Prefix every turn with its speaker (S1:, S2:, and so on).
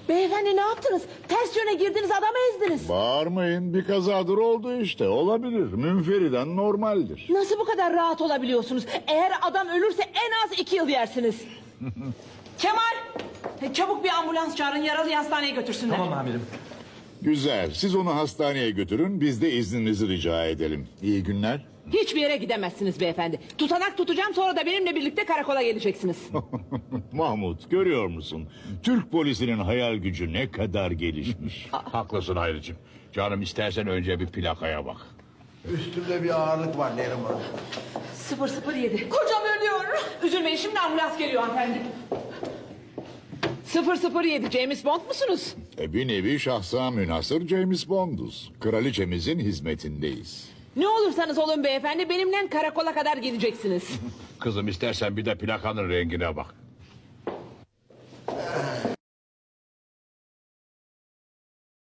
S1: Beyefendi ne yaptınız? Ters yöne girdiniz, adamı ezdiniz.
S2: Bağırmayın, bir kazadır oldu işte. Olabilir, münferiden normaldir.
S1: Nasıl bu kadar rahat olabiliyorsunuz? Eğer adam ölürse en az 2 yıl yersiniz. Kemal! Çabuk bir ambulans çağırın, yaralıyı hastaneye götürsünler.
S3: Tamam amirim.
S2: Güzel, siz onu hastaneye götürün, biz de izninizi rica edelim. İyi günler.
S1: Hiçbir yere gidemezsiniz beyefendi. Tutanak tutacağım, sonra da benimle birlikte karakola geleceksiniz.
S2: Mahmut, görüyor musun? Türk polisinin hayal gücü ne kadar gelişmiş.
S4: Haklısın Hayricim. Canım istersen önce bir plakaya bak.
S5: Üstümde bir ağırlık var Neriman.
S1: 007. Kocam ölüyor. Üzülmeyin, şimdi ambulans geliyor hanımefendi. 007, James Bond musunuz?
S2: Bir nevi şahsa münhasır James Bond'uz. Kraliçemizin hizmetindeyiz.
S1: Ne olursanız olun beyefendi, benimle karakola kadar geleceksiniz.
S4: Kızım istersen bir de plakanın rengine bak.